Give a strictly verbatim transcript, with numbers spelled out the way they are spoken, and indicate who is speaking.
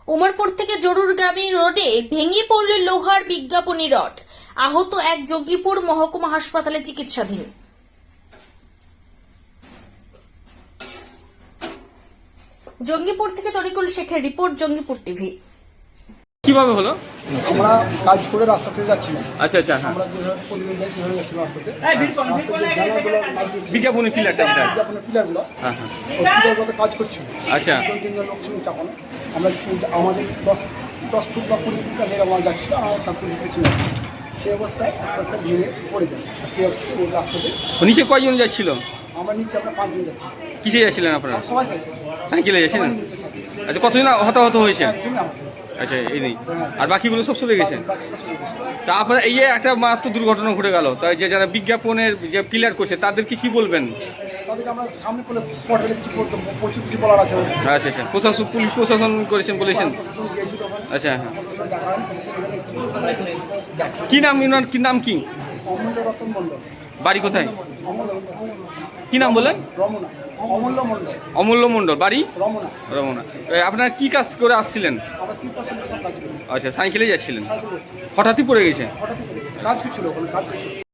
Speaker 1: উমরপুর থেকে জরুরগ্রামী রোডে ভেঙে পড়ল লোহার বিজ্ঞাপনী রড। আহত এক জঙ্গিপুর মহকুমা হাসপাতালে চিকিৎসাধীন। জঙ্গিপুর থেকে তরিকুল শেখের রিপোর্ট, জঙ্গিপুর টিভি।
Speaker 2: কিভাবে হলো?
Speaker 3: আমরা কাজ করে রাস্তাতে যাচ্ছিলাম।
Speaker 2: আচ্ছা আচ্ছা, হ্যাঁ,
Speaker 3: আমরা যেভাবে পরিবেশ যাই সেভাবে যাচ্ছিলাম রাস্তাতে।
Speaker 2: বিজ্ঞাপনী পিলারটা এটা।
Speaker 3: বিজ্ঞাপনের পিলারগুলো
Speaker 2: হ্যাঁ হ্যাঁ,
Speaker 3: ওই পিলারগুলোতে কাজ করছিল।
Speaker 2: আচ্ছা
Speaker 3: দুই তিনজন লোক ছিল চাপানো। আমরা আমাদের দশ দশ ফুট বা কুড়ি ফুট আগে আমরা যাচ্ছিল, আমার তার কুড়ি ফুট ছিল। সেই অবস্থায় আস্তে আস্তে ভেঙে পড়ে যায়। আর সেই অবস্থায় ওই রাস্তাতে
Speaker 2: নিচে কয়জন যাচ্ছিল?
Speaker 3: আমরা নিচে আমরা পাঁচজন যাচ্ছি।
Speaker 2: কিসে যাচ্ছিলেন আপনারা?
Speaker 3: সবাই সাইকেল
Speaker 2: সাইকেলে যাচ্ছিলেন? আচ্ছা, কতজন হতাহত হয়েছে? আচ্ছা, এই নেই, আর বাকিগুলো সব চলে গেছে। তা আপনারা এই যে একটা মাত্র দুর্ঘটনা ঘটে গেল, তাই যে যারা বিজ্ঞাপনের যে পিলার করছে তাদেরকে কি বলবেন?
Speaker 3: তাদেরকে আমরা সামনে পড়লে স্পট হলে কিছু বলতে প্রচুর কিছু বলার আছে।
Speaker 2: আচ্ছা আচ্ছা, প্রশাসন পুলিশ প্রশাসন করেছেন বলেছেন?
Speaker 3: প্রশাসন গিয়েছিল ওখানে।
Speaker 2: আচ্ছা হ্যাঁ, কি নাম ইনার, কি নাম কি?
Speaker 3: অমূল্য রতন মণ্ডল।
Speaker 2: বাড়ি কোথায়?
Speaker 3: অমূল্য
Speaker 2: কি নাম বলেন?
Speaker 3: রমনা। অমূল্য মণ্ডল।
Speaker 2: অমূল্য মণ্ডল, বাড়ি
Speaker 3: রমনা।
Speaker 2: রমনা। এ, আপনারা কি কাজ করে আসছিলেন?
Speaker 3: আমরা তিন পার্সেন্ট কাজ করি।
Speaker 2: আচ্ছা, সাইকেলে যাচ্ছিলেন,
Speaker 3: সাইকেল যাচ্ছি।
Speaker 2: হঠাৎই পড়ে গেছে?
Speaker 3: হঠাৎ করে গেছে। কাজ কিছু ছিল ওখানে, কাজ কিছু